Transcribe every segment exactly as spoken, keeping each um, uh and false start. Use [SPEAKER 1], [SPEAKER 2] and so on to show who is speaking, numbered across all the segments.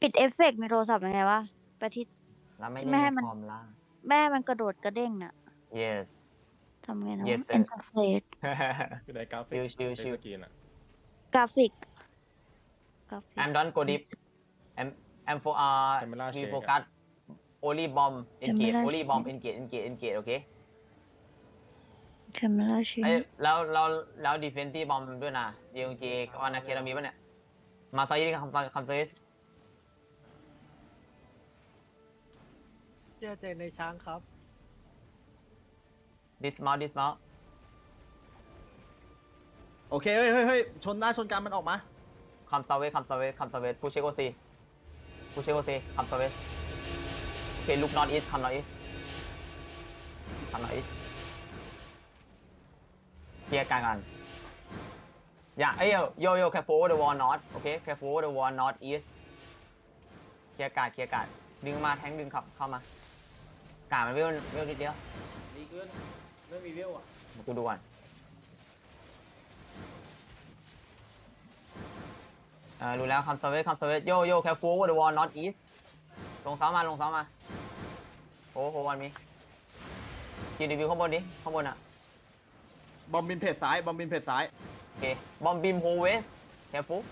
[SPEAKER 1] ปิดเอฟเฟกต์ในโทรศัพท์ยังไงวะไปที่
[SPEAKER 2] แล้วไม่
[SPEAKER 1] ที่
[SPEAKER 2] เล่น
[SPEAKER 1] ไม่
[SPEAKER 2] ใน
[SPEAKER 1] ให้มัน
[SPEAKER 2] คอมล่ะ
[SPEAKER 1] แม่มันกระโดดกระเด้งน่ะ
[SPEAKER 2] yes
[SPEAKER 1] ทำไงนะ
[SPEAKER 2] yes
[SPEAKER 1] วะ
[SPEAKER 2] sir
[SPEAKER 1] interface
[SPEAKER 3] คือในกราฟิก
[SPEAKER 2] ชิวชิว
[SPEAKER 3] ในสกรีนอะ
[SPEAKER 1] กราฟิกกราฟิก
[SPEAKER 2] I'm don't go deep I'm I'm for uh
[SPEAKER 3] Camera
[SPEAKER 2] we
[SPEAKER 3] shake
[SPEAKER 2] focus only bomb engage
[SPEAKER 1] Camera
[SPEAKER 2] only bomb
[SPEAKER 1] shake
[SPEAKER 2] engage engage engage โอเค
[SPEAKER 1] camera
[SPEAKER 2] เอ้ย
[SPEAKER 1] shake
[SPEAKER 2] แล้วแล้วแล้วดีเฟนตี้บอมด้วยนะ จี โอ จี วันอาเคเรามีป่ะเนี่ยมาซอยดิคำซอยคำซอย
[SPEAKER 4] เชื่อใจในช้างครับ
[SPEAKER 2] dismount dismount
[SPEAKER 5] โอเคเฮ้ยเฮ้ยเฮ้ยชนหน้าชนกันมันออกมา
[SPEAKER 2] คำซอยคำซอยคำซอยพูเชโกซีพูเชโกซีคำซอยโอเคลุก not east คำ not east คำ not east เคลียร์การกันอย่าเอ้ยโยโย่ careful over the wall north โอเค careful over the wall north east เคลียร์การเคลียร์การดึงมาแทงดึงขับเข้ามาการมันเวลเวลนิดเดียว
[SPEAKER 4] ดีเกินไม่มีเวลอ่ะ
[SPEAKER 2] กูดูก่อนเออรู้แล้วคำสวิตคำสวิตโยโย่ careful over the wall north east ลงเสามาลงเสามาโอ้โหวันมีจีดีวิวข้างบนดิข้างบนอ่ะ
[SPEAKER 5] บอมบินเพจซ้ายบอมบินเพจซ้าย
[SPEAKER 2] โอเคบอมบิมโฮเวส careful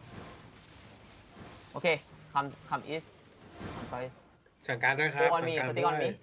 [SPEAKER 2] โอเคคำคำ east คำ south
[SPEAKER 6] สั่งการด้วยครั
[SPEAKER 2] โอ้
[SPEAKER 6] บ
[SPEAKER 2] ออนมีปฏิกรมี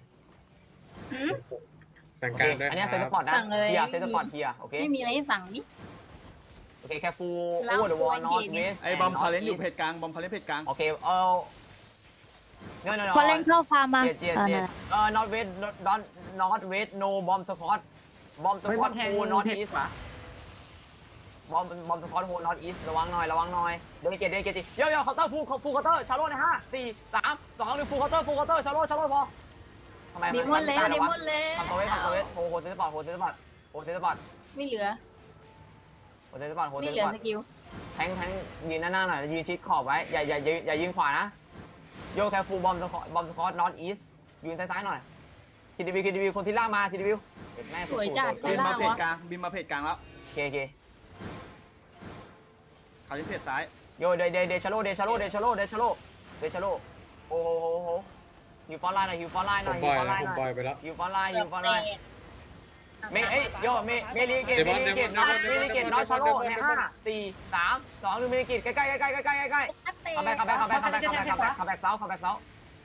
[SPEAKER 6] สั่ง
[SPEAKER 2] โอ
[SPEAKER 6] การ
[SPEAKER 2] เค
[SPEAKER 6] ด้วย
[SPEAKER 2] อันนี้
[SPEAKER 6] ค
[SPEAKER 2] เซ
[SPEAKER 6] รั
[SPEAKER 2] ต
[SPEAKER 6] บ
[SPEAKER 2] พอร์ตนะ
[SPEAKER 7] สั่งเลย
[SPEAKER 2] เทียเซตพอร์ตเทียโอเค
[SPEAKER 7] ไม่มีอะไรให้สั่งนี่
[SPEAKER 2] โอเค careful
[SPEAKER 7] แล้ว
[SPEAKER 2] over the wall
[SPEAKER 7] ตัว
[SPEAKER 2] north
[SPEAKER 7] เย็น
[SPEAKER 2] west
[SPEAKER 5] ไอ้บอมคาเลนอยู่เพจกลางบอมคาเลนเพจกลาง
[SPEAKER 2] โอเคเออ no no no
[SPEAKER 1] พอเล่นเข้าฟาร์มมา
[SPEAKER 2] เจ็ดเจ็ด
[SPEAKER 1] เออ
[SPEAKER 2] เจ็
[SPEAKER 1] นั่
[SPEAKER 2] ด
[SPEAKER 1] นแหละ
[SPEAKER 2] เอ่อ not west not not west no bomb squad bomb
[SPEAKER 5] ไม่
[SPEAKER 2] squad
[SPEAKER 5] แทง
[SPEAKER 2] โฮ not
[SPEAKER 5] เพจ
[SPEAKER 2] east
[SPEAKER 5] ขวา
[SPEAKER 2] bomb bomb squad โฮ not east ระวังหน่อยระวังหน่อยเดินเกตเดินเกตจิโย่โย่เคาน์เตอร์ฟูลฟูลเคาน์เตอร์ชาร์โลในห้าสี่สามสองหนึ่งฟูลเคาน์เตอร์ฟูลเคาน์เตอร์ชาร์โลชาร์โลพอทำไม
[SPEAKER 7] ดีมอนแล้วดีมอนแล้ว
[SPEAKER 2] ทำตัวเวททำตัวเวทโฮโฮเซตบอร์ดโฮเซตบอร์ดโฮเซตบอร์ด
[SPEAKER 7] ไม่เหลือ
[SPEAKER 2] โฮเซตบอร์ดโฮ
[SPEAKER 7] ไม่
[SPEAKER 2] เซต
[SPEAKER 7] เหลือบ
[SPEAKER 2] อร์ด
[SPEAKER 7] สกิล
[SPEAKER 2] แทงแทงยืนหน้าๆหน่อยยืนชิดขอบไว้อย่าอย่าอย่าอย่ายืนขวานะโย่แคฟูบอมสควอตบอมสควอต not east ยืนซ้ายๆหน่อยทีดีวิวทีดีวิวคนที่ล่ามาทีดีวิวเด็ดแม่
[SPEAKER 7] สวยจัด
[SPEAKER 5] บินมาเพจกลางบินมาเพจกลางแล้ว
[SPEAKER 2] โอเคโอเค
[SPEAKER 5] คาเลนเพจซ้าย
[SPEAKER 2] โยเดเดเดชาโลเดชาโลเดชาโลเดชาโลเดชาโลโอ้โหโอ้โหฮิวฟอนไลน์หน่อยฮิวฟอนไลน์ห
[SPEAKER 6] ผ
[SPEAKER 2] น่อย
[SPEAKER 6] ม
[SPEAKER 2] ฮิ
[SPEAKER 6] ป
[SPEAKER 2] ว
[SPEAKER 6] ล่อย
[SPEAKER 2] ฟอนไลน์หน่อย
[SPEAKER 6] แล้วผมปล่อยไปแล้ว
[SPEAKER 2] ฮิวฟอนไลน์ฮิวฟอนไลน์เมย์เอ้ยโยเมย์เมลีเกต
[SPEAKER 6] เด
[SPEAKER 2] เม
[SPEAKER 6] มอน
[SPEAKER 2] ลีเกต
[SPEAKER 6] เดม
[SPEAKER 2] น้
[SPEAKER 6] อ
[SPEAKER 2] อน ย
[SPEAKER 6] เด
[SPEAKER 2] เม
[SPEAKER 6] มอน
[SPEAKER 2] ลีเกตน้อยชาโลในห้าสี่สามสองหนึ่งเมลีเกตใกล้ใกล้ใกล้ใกล้ใกล้ใกล้ใกล้คัมแบ็คคัมแบ็คคัมแบ็คคัมแบ็คคัมแบ็คคัมแบ็คคัมแบ็คเซาคัมแบ็คเซา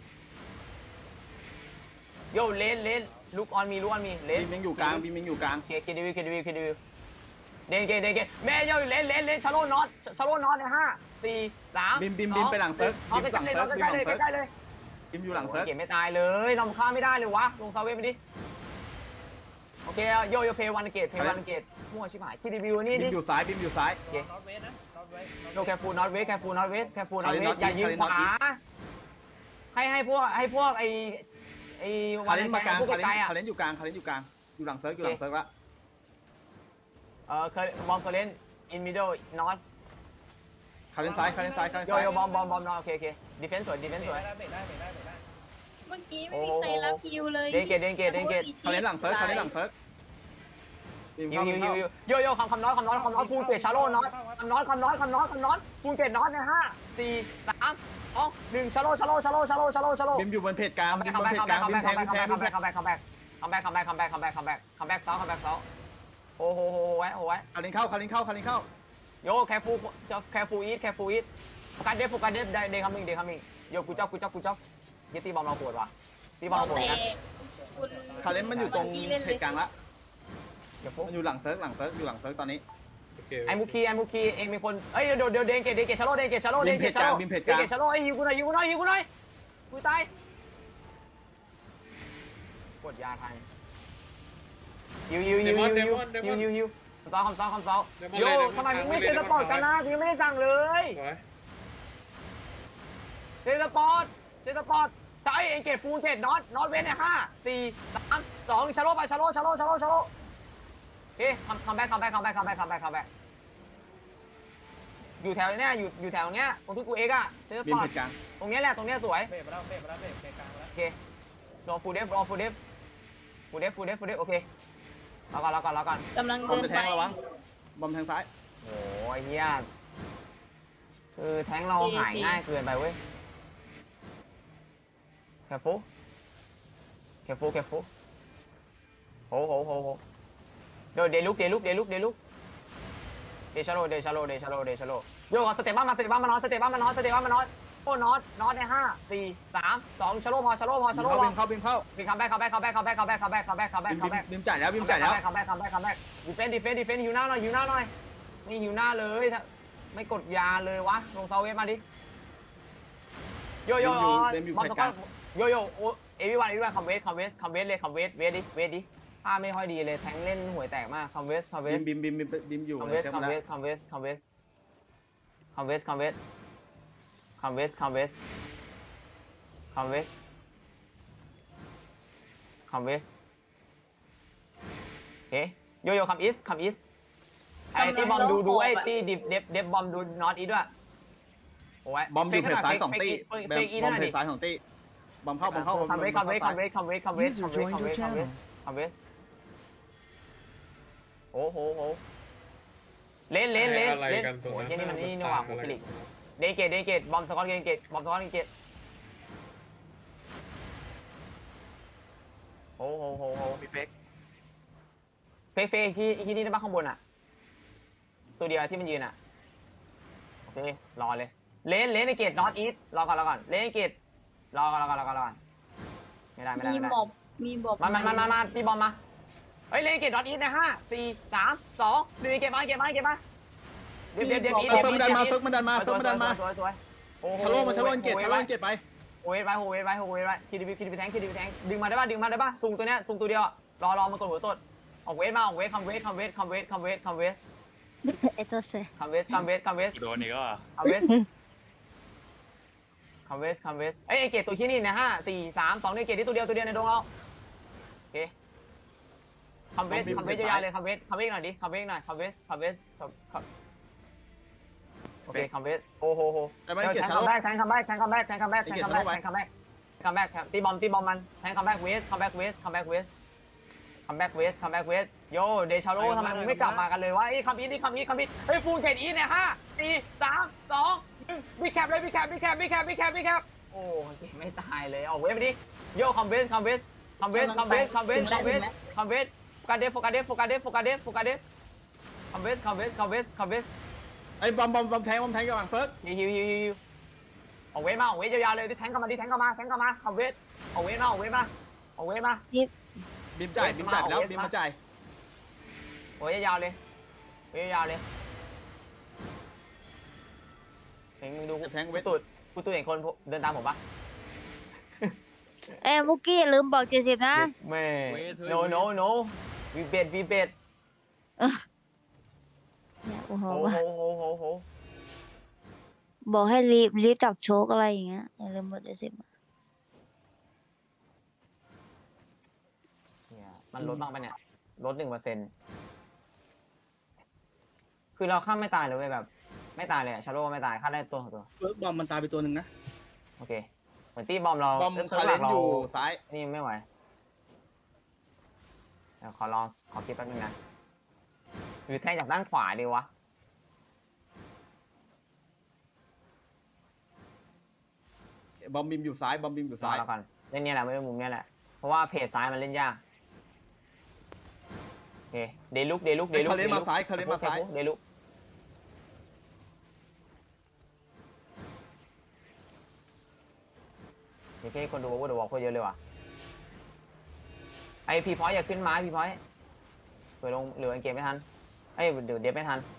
[SPEAKER 2] โยเลนเลนลุกออนมีลุกออนมีเลน
[SPEAKER 5] บินยังอยู่กลางบินยังอยู่กลาง
[SPEAKER 2] เคเคดีวิวเคดีวิวเคดีวิวเดนเกตเดนเกตเมย์โยเลนเลนเลนชาโลน็อตชาโลน็อตในห้าสี่สาม
[SPEAKER 5] บินบินบินไปหลังเซิร์ฟ
[SPEAKER 2] เอา
[SPEAKER 5] บิน
[SPEAKER 2] ใกล้
[SPEAKER 5] สั่ง
[SPEAKER 2] ๆเลย
[SPEAKER 5] เซิร์ฟ
[SPEAKER 2] เอา
[SPEAKER 5] บิน
[SPEAKER 2] ใก
[SPEAKER 5] ห
[SPEAKER 2] ล้
[SPEAKER 5] ลัง
[SPEAKER 2] ๆเลย
[SPEAKER 5] เซิร์ฟ
[SPEAKER 2] ใกล้ๆเลย
[SPEAKER 5] บินอยู่หลังเซิร์ฟ
[SPEAKER 2] เก็บไม่ตายเลยนำค่าไม่ได้เลยวะลงซาเวไปดิโอเคโยโยเพย์วันเกตเพย์วันเกตมั่วชิบหายคีรีวิวนี่
[SPEAKER 5] บิ
[SPEAKER 2] ดิ
[SPEAKER 5] นอยู่ซ้ายบินอยู่ซ้าย
[SPEAKER 4] นอตเวสนะนอตเวส
[SPEAKER 2] โยแคฟูนอตเวสแคฟูนอตเวสแคฟูนอตเวส
[SPEAKER 5] Not
[SPEAKER 2] อย่ายืน
[SPEAKER 5] East
[SPEAKER 2] ขวาให้ให้พวกให้พวกไอไอวั
[SPEAKER 5] คาน เลนมากลาง
[SPEAKER 2] พวก
[SPEAKER 5] คาเลน
[SPEAKER 2] ไกลๆอ่ะ
[SPEAKER 5] คาเลนอยู่กลางคาเลนอยู่กลางอยู่หลังเซิร์ฟอยู่หลังเซิร์ฟละ
[SPEAKER 2] เออเคยบอมเคยเล่นอินมิดเดิลนอต
[SPEAKER 5] คาเลนซ้ายคาเลนซ้ายคาเลน
[SPEAKER 2] โย
[SPEAKER 5] ซ้าย
[SPEAKER 2] โยบอมบอมบอมนอตโอเคโอเคดิเฟนส์สวยดิเฟนส์สวย
[SPEAKER 4] ได้เบรกได้เบรกได้เบรกได้
[SPEAKER 7] เมื่อกี้ไม่มีใครรับคิวเลย
[SPEAKER 2] เดนเกตเดนเกตเดนเกต
[SPEAKER 5] คาเลนหลังเซิร์ฟคาเลนหลังเซิร์ฟบิน
[SPEAKER 2] ฮิ
[SPEAKER 5] เข้าว
[SPEAKER 2] ฮิ
[SPEAKER 5] บิ
[SPEAKER 2] วน ฮิ
[SPEAKER 5] เข้าว
[SPEAKER 2] ฮิวโยโย่คำคำน้อยคำน้อยคำน้อยฟูลเกตชาโลน้อยคำน้อยคำน้อยคำน้อยคำน้อยฟูลเกตน้อยในห้าสี่สามสองหนึ่งชาโลชาโลชาโลชาโลชาโลชาโล
[SPEAKER 5] บินอยู่บนเพจกลาง
[SPEAKER 2] คัม
[SPEAKER 5] บิ
[SPEAKER 2] แบ็
[SPEAKER 5] น
[SPEAKER 2] ค
[SPEAKER 5] บ
[SPEAKER 2] คัม
[SPEAKER 5] น
[SPEAKER 2] แบ็ค
[SPEAKER 5] เพจ
[SPEAKER 2] คัม
[SPEAKER 5] กลาง
[SPEAKER 2] แบ็
[SPEAKER 5] บิ
[SPEAKER 2] คน
[SPEAKER 5] แท
[SPEAKER 2] คัม
[SPEAKER 5] ง
[SPEAKER 2] แบ็
[SPEAKER 5] บิ
[SPEAKER 2] คน คัม
[SPEAKER 5] แท
[SPEAKER 2] แบ็
[SPEAKER 5] ง
[SPEAKER 2] คคัมแบ็คคัมแบ็คคัมแบ็คคัมแบ็คคัมแบ็คคัมแบ็คคัมแบ็คคัมแบ็คคัมแบ็คเซาคัมแบ็คเซาโอ้โหโหไว้โอ้ไว้
[SPEAKER 5] คาเลนเข้าคาเลนเข้าคาเลนเข้า
[SPEAKER 2] โยแคฟูจะแคฟูอีทแคฟูอีทโฟกัสเดฟโฟกัสเดฟเดย์คัมมิ่งเดย์คัมมิ่งโยกูจ๊อบกูจ๊อบกูจ๊อบยี่ตีบอมเราปวดว่ะตีบอมเราปวด
[SPEAKER 7] แต่
[SPEAKER 2] กัน
[SPEAKER 7] คุณ
[SPEAKER 5] คาเลนมันอยู่ตรงเพจกลางละ
[SPEAKER 2] เดี๋ยวฟุ
[SPEAKER 5] มันอยู่หลังเซิร์ฟหลังเซิร์ฟอยู่หลังเซิร์ฟตอนนี้
[SPEAKER 6] โอเค
[SPEAKER 2] ไอ้มุคีไอ้มุคีเองเป็นคนเอ้ยเดี๋ยวเดี๋ยวเดนเกตเดนเกตชาโลเดนเกตชาโลเดนเกตชาโล
[SPEAKER 5] บินเพจ
[SPEAKER 2] เด
[SPEAKER 5] กลาง
[SPEAKER 2] นเกตชาโลไอ้ฮิวกูหน่อยฮิวกูหน่อยฮิวกูหน่อยกูตายกดยาทันฮิวฮิวฮิวฮิวฮิวฮิวฮิวฮิวคำซ้อคำซ้อคำซ้อโยทำไมมึงไม่เซ็นสปอร์ตกันนะกูยังไม่ได้สั่งเลย
[SPEAKER 6] สวย
[SPEAKER 2] เซ็นสปอร์ตเซ็นสปอร์ตใช่เอ็นเกตฟูลเกตน็อตน็อตเวนในห้าสี่สามสองชาโลไปชาโลชาโลชาโลชาโลเฮ้ยคัมคัมแบ็คคัมแบ็คคัมแบ็คคัมแบ็คคัมแบ็คคัมแบ็คอยู่แถวเนี้ยอยู่อยู่แถวเนี้ยตรงที่กูเอ็กอะเซ็นส
[SPEAKER 5] บิ
[SPEAKER 2] ป
[SPEAKER 5] น
[SPEAKER 2] อร์
[SPEAKER 5] เพ
[SPEAKER 2] ต
[SPEAKER 5] จกลาง
[SPEAKER 2] ตรงเนี้ยแหละตรงเนี้ยสวย
[SPEAKER 4] เบรกมาแล้วเบรกมาแล้วเบรกเพจกลางแล้ว
[SPEAKER 2] โอเครอฟูลเดฟรอฟูลเดฟฟูลเดฟฟูลเดฟฟูลเดฟโอเครอก่อนรอก่อนรอก่อน
[SPEAKER 7] กำลัง
[SPEAKER 5] บอม
[SPEAKER 7] เดิน
[SPEAKER 5] จะแท
[SPEAKER 7] ไป
[SPEAKER 5] งระวังบอมแทงซ้าย
[SPEAKER 2] โอ้ยเฮียคือแทงเราหายง่ายเกินไปเว้ย careful careful careful โหโหโหโหเดี๋ยวเดลุกเดลุกเดลุกเดลุกเดชาโลเดชาโลเดชาโลเดชาโลโยกสเตปบ้านมาสเตปบ้านมานอนสเตปบ้านมานอนสเตปบ้านมานอนโอ้นอนนอนในห้าสี่สามสองชาโลพอชาโลพอชาโลพอ
[SPEAKER 5] บิมเข้าบิมเข้า
[SPEAKER 2] บิมคัมแบ็กคัมแบ็กคัมแบ็กคัมแบ็กคัมแบ็กคัมแบ็กคัมแบ็กคัมแบ็ก
[SPEAKER 5] บิม
[SPEAKER 2] คัมแบ็ก
[SPEAKER 5] บิมจ่ายแล้วบิมจ่ายแล้ว
[SPEAKER 2] คัมแบ็กคัมแบ็กคัมแบ็กดีเฟนดีเฟนดีเฟนหิวหน้าหน่อยหิวหน้าหน่อยนี่หิวหน้าเลยไม่กดยาเลยวะลงเซาเวสมาดิโยโย่บอลตะก้อนโยโย่โอเอวิวันเอวิวันคัมเวสคัมเวสคัมเวสเลยคัมเวสเวสดิเวสดิท่าไม่ค่อยดีเลยแทงเล่นห่วยแตกมากคัมเวสคัมเว
[SPEAKER 5] บิ
[SPEAKER 2] ส
[SPEAKER 5] มบิมบิมบิมบิมอยู่
[SPEAKER 2] คัม
[SPEAKER 5] เล
[SPEAKER 2] เวย ส
[SPEAKER 5] เซฟ
[SPEAKER 2] คัม
[SPEAKER 5] มา
[SPEAKER 2] เว
[SPEAKER 5] แล้ว
[SPEAKER 2] สคัมเวสคัมเวสคัมเวสคัมเวสคัมเวสคัมเวสคัมเวสคัมเวสเฮ้โยโย่คัมอีสคัมอีสไอ้ที่บอมดูดูไอ้ที่ดิฟเดฟเดฟบอมดูนอตอีด้วยโอ้ย
[SPEAKER 5] บอมอยู่เพจซ้ายสองตี
[SPEAKER 2] เฟก
[SPEAKER 5] บ
[SPEAKER 2] เฟกอี
[SPEAKER 5] อ
[SPEAKER 2] นั่
[SPEAKER 5] ม
[SPEAKER 2] น
[SPEAKER 5] เพ
[SPEAKER 2] ดิ
[SPEAKER 5] จซ้ายสองตีบอมเข้าบอมเข้าบอม
[SPEAKER 2] คัมเวสคัมเวสคัมเวส
[SPEAKER 5] เข้า
[SPEAKER 2] คัมเวสคัมเวสคัมเวส
[SPEAKER 6] User
[SPEAKER 2] คัมเวส
[SPEAKER 6] joined
[SPEAKER 2] คัม
[SPEAKER 6] your
[SPEAKER 2] เวส
[SPEAKER 6] channel.
[SPEAKER 2] โอ้โหโหเล่นเล่นเล่นเล่นโอ้ยนี่มันนี่นี่ว่ะโมฟิลิกเดนเกตเดนเกตบอมสกอตเดนเกตบอมสกอตเดนเกตโอ้โหโหโหมีเฟกเฟกเฟกที่ที่นี่ได้บ้างข้างบนอ่ะตัวเดียวที่มันยืนอ่ะโอเครอเลยเลนเลนในเกตนอตอีทรอก่อนรอก่อนเลนในเกตรอก่อนรอก่อนรอก่อนรอก่อนไม่ได้ไม่ได้
[SPEAKER 7] มี
[SPEAKER 2] ไม่ได้
[SPEAKER 7] หมอบมีบอก
[SPEAKER 2] มามามามามาตีบอมมาเฮ้ยเลนเกตนอตอีทในห้าสี่สามสองหนึ่งเกตมาเกตมาเกตมาเดี๋ยวเดี๋ยวเดี๋ยวอีท
[SPEAKER 5] เฟิร์กมันดันมาเฟิร์กมันดันมาเฟิร์กมันดันมา
[SPEAKER 2] สวยสวยโอ้โห
[SPEAKER 5] ชะโลมาชะโลเกตชะโลเกตไป
[SPEAKER 2] โอ้ยไปโอ้ยไปโอ้ยไปคิดดีคิดดีแทงคิดดีแทงดึงมาได้ป่ะดึงมาได้ป่ะซุงตัวเนี้ยซุงตัวเดียวรอรอมันกดหัวตดออกเวทมาออกเวทคัมเวทคัมเวทคัมเวทคัมเวทคัมเวท
[SPEAKER 1] ไอตัวเซ
[SPEAKER 2] คัมเวทคัมเวทคัมเวท
[SPEAKER 3] โดนอีกก็
[SPEAKER 2] คัมเวทคัมเวทคัมเวทเอ้ยไอเกตตัวชี้นี่นะห้าสี่สามสองนี่เกตที่ตัวเดียวตัวเดียวในดงเราโอเคคัมเวทคัมเวทยาวเลยคัมเวทคัมเวทหน่อยดิคัมเวทหน่อยคัมเวทคัมเวทคัมโอเคคัมเวทโอ้โหโห
[SPEAKER 5] แต่ไม่
[SPEAKER 2] แท
[SPEAKER 5] เกต
[SPEAKER 2] ง
[SPEAKER 5] ชะ
[SPEAKER 2] คั
[SPEAKER 5] โล
[SPEAKER 2] มแบ็กแทงคัมแบ็กแทงคัมแบ็กแทงคัมแบ็กแทงคัมแบ็กแทงคัมแบ็กคัมแบ็กตีบอมตีบอมมันแทงคัมแบ็กเวสคัมแบ็กเวสคัมแบ็กเวสคัมแบ็กเวสคัมแบ็กเวสโยเดชาโลทำไมมึงไม่กลับมากันเลยวะไอ้คัมอีทนี่คัมอีทคัมอีทเฮ้ยฟูลเกตอีทเนี่ยห้าสี่สามสองหนึ่งบิ๊กแคปเลยบิ๊กแคปบิ๊กแคปบิ๊กแคปบิ๊กแคปบิ๊กแคปโอ้ไม่ตายเลยออกเวสไปดิโยคัมเวสคัมเวสคัมเวสคัมเวสคัมเวสคัมเวสคัมเวสโฟกัสเดฟโฟกัสเดฟโฟกัสเดฟโฟกัสเดฟโฟกัสเดฟคัมเวสคัมเวสคัมเวสคัมเวส
[SPEAKER 5] ไอ้บอมบอมบอมแทงบอมแทงกับหลังเฟิร์ก
[SPEAKER 2] ฮิวฮิวฮิวฮิวออกเวทมาออกเวทยาวๆเลยที่แทงเข้ามาดิแทงเข้ามาแทงเข้ามาออกเวทออกเวทมาออกเวทมาออกเวทมา
[SPEAKER 5] บิมจ่ายบิมจ่ายแล้วบิมมาจ่าย
[SPEAKER 2] โอ้ยยาวๆเลยเว้ยยาวๆเลยเห็นมึงดูกู
[SPEAKER 5] แทงเว
[SPEAKER 2] กู
[SPEAKER 5] ท
[SPEAKER 2] ตูดกูตูดเห็นคนเดินตามผมปะ
[SPEAKER 1] เอ้ยมุกกี้ลืมบอกเจ็ดสิบนะ
[SPEAKER 2] แม่ no no no วีเบ็ดวีเบ็ด
[SPEAKER 1] เนี่ยโอ้โห
[SPEAKER 2] โอ้โหโอ้โหโอ้โห
[SPEAKER 1] บอกให้รีบรีบจับโชกอะไรอย่างเงี้ยอย่าลืมบอกเจ็ดสิบ
[SPEAKER 2] เนี่ยมันลดบ้างปะเนี่ยลดหนึ่งเปอร์เซ็นต์คือเราข้ามไม่ตายเลยเว้ยแบบ ไม่ตายเลยอะชาโร่ไม่ตายฆ่าได้ตัวของตัว
[SPEAKER 5] เฟิร์กบอมมันตายไปตัวหนึ่งนะ
[SPEAKER 2] โอเคเหมือนตีบอมเรา
[SPEAKER 5] บอม
[SPEAKER 2] เริ่
[SPEAKER 5] คาเลน
[SPEAKER 2] เรา
[SPEAKER 5] อยู่ซ้าย
[SPEAKER 2] นี่ไม่ไหวเดี๋ยวขอลองขอคิดแป๊บนึงนะหรือแทงจากด้านขวาดีวะ
[SPEAKER 5] บอมบิมอยู่ซ้ายบอมบิมอยู่
[SPEAKER 2] รอ
[SPEAKER 5] ซ้าย
[SPEAKER 2] เราก่อนเล่นเนี่ยแหละไม่ได้มุมเนี่ยแหละเพราะว่าเพจซ้ายมันเล่นยากโอเคเดลุกเดลุกเดลุก
[SPEAKER 5] คาเลนมาซ้ายคาเลนมาซ้าย
[SPEAKER 2] เดลุกโอเคคนดูว่าเดวอลโคตรเยอะเลยว่ะไอพีพอยอย่าขึ้นไม้พีพอยเผื่อลงเหลือเกมไม่ทันไอ้เดี๋ยวเดฟไม่ทัน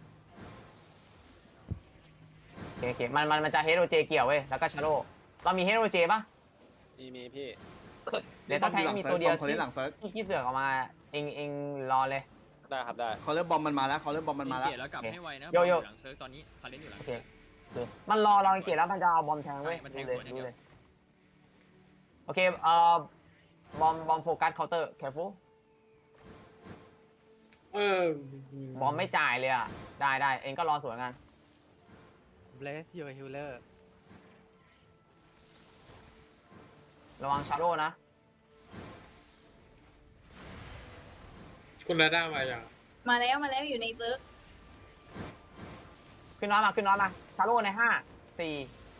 [SPEAKER 2] โอเคโอเคมันมันมันจะเฮโรเจเกี่ยวเว้ยแล้วก็ชาโร่เรามีเฮโรเจป่ะ
[SPEAKER 3] มีมีพี่
[SPEAKER 2] เดี๋ยวถ้าแทงมีตัวเดียว
[SPEAKER 5] คาเลนหลังเฟิร์ก
[SPEAKER 2] ที่ที่เสือกออกมาเองเองรอเลย
[SPEAKER 3] ได้ครับได้
[SPEAKER 5] เขาเริ่มบอมมันมาแล้วเขาเริ่มบอมมันมาแล้ว
[SPEAKER 8] เกตแล้วกลับให้ไวนะ
[SPEAKER 2] โยโย่
[SPEAKER 8] บอลหลังเซิร์ฟตอนนี้คาเลนอยู่หลัง
[SPEAKER 2] โอเคโอเคมันรอเราเกตแล้วมันจะเอาบอมแทงเว้ย
[SPEAKER 8] ใช่มันแท
[SPEAKER 2] ดู
[SPEAKER 8] ง
[SPEAKER 2] เลย
[SPEAKER 8] สวนอย่าง
[SPEAKER 2] ดู
[SPEAKER 8] เดียว
[SPEAKER 2] เลยโอเคเอ่อบอมบอมโฟกัสเคาน์เตอร์ careful
[SPEAKER 3] เออบ
[SPEAKER 2] อมไม่จ่ายเลยอ่ะได้ได้เองก็รอสวนกัน
[SPEAKER 3] bless your healer
[SPEAKER 2] ระวังชาโร่นะ
[SPEAKER 3] คุณนาด้ามาอย่าง
[SPEAKER 7] มาแล้วมาแล้วอยู่ในเซิร์ฟ
[SPEAKER 2] ขึ้นน้อยมาขึ้นน้อยมาชาโร่ในห้าสี่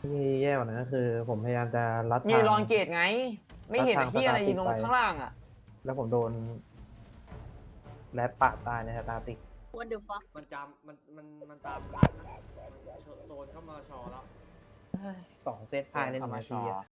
[SPEAKER 4] ที่แย่กว่านั้นก็คือ ผมพยายามจะรัด
[SPEAKER 2] ยื
[SPEAKER 4] ทาน ง
[SPEAKER 2] ลองเกตไง ไม่เห็น
[SPEAKER 4] รัดทาง
[SPEAKER 2] ที่อะไร
[SPEAKER 4] สตาร์ท
[SPEAKER 2] ยิงตรง
[SPEAKER 4] ไป
[SPEAKER 2] ข้างล่างอ่ะ
[SPEAKER 4] แล้วผมโดนแรดปาดตายในสตาร์ติก
[SPEAKER 7] What the fuck
[SPEAKER 5] มันจำมันมันมันตามโซนเข้ามาชอแล้ว
[SPEAKER 4] สองเซตภายในหนึ่งนาทีอะ